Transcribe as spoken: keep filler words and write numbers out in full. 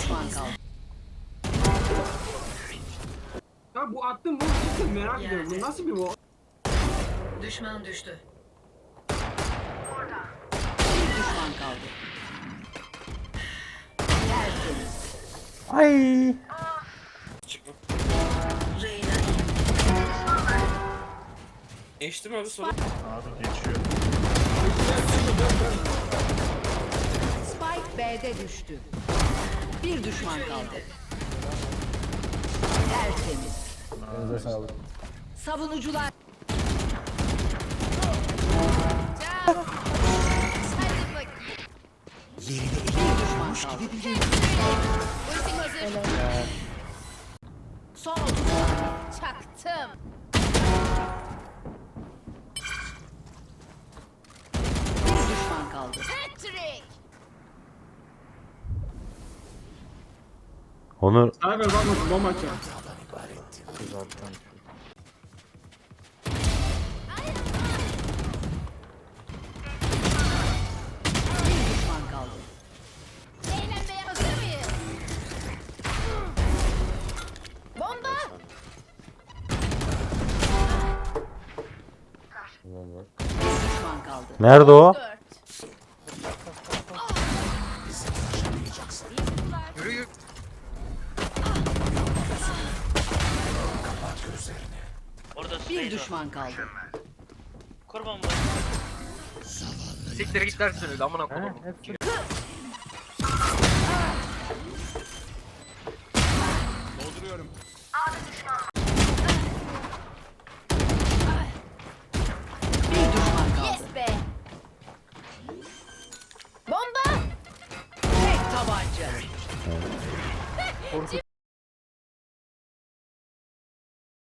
düşman kaldı. Ya bu attım bu nasıl merak ediyorum. Bu nasıl bir bu? Düşman düştü. Bir düşman kaldı. Tertemiz. Ay. Reyna. Geçtim abi sonra. Abi geçiyor. Spike B'de düştü. Bir düşman kaldı. Tertemiz. Elinize sağlık. Savunucular. Bir düşman kaldı. Son otuz saniye. Çaktım. Bir düşman kaldı. Patrick. Onur Cyber bakmasın bomba açıyor. Bir düşman kaldı. Eğlenmeye hazır mıyız? Bomba. Bir düşman kaldı. nerede o? Dört. Yürü yürü. Orada Bir Süleyman. düşman kaldı. Kurban bu. Siktir git dersiniz amına koyayım. Bir düşman kaldı. Yes be. Bomba. Tek tabanca.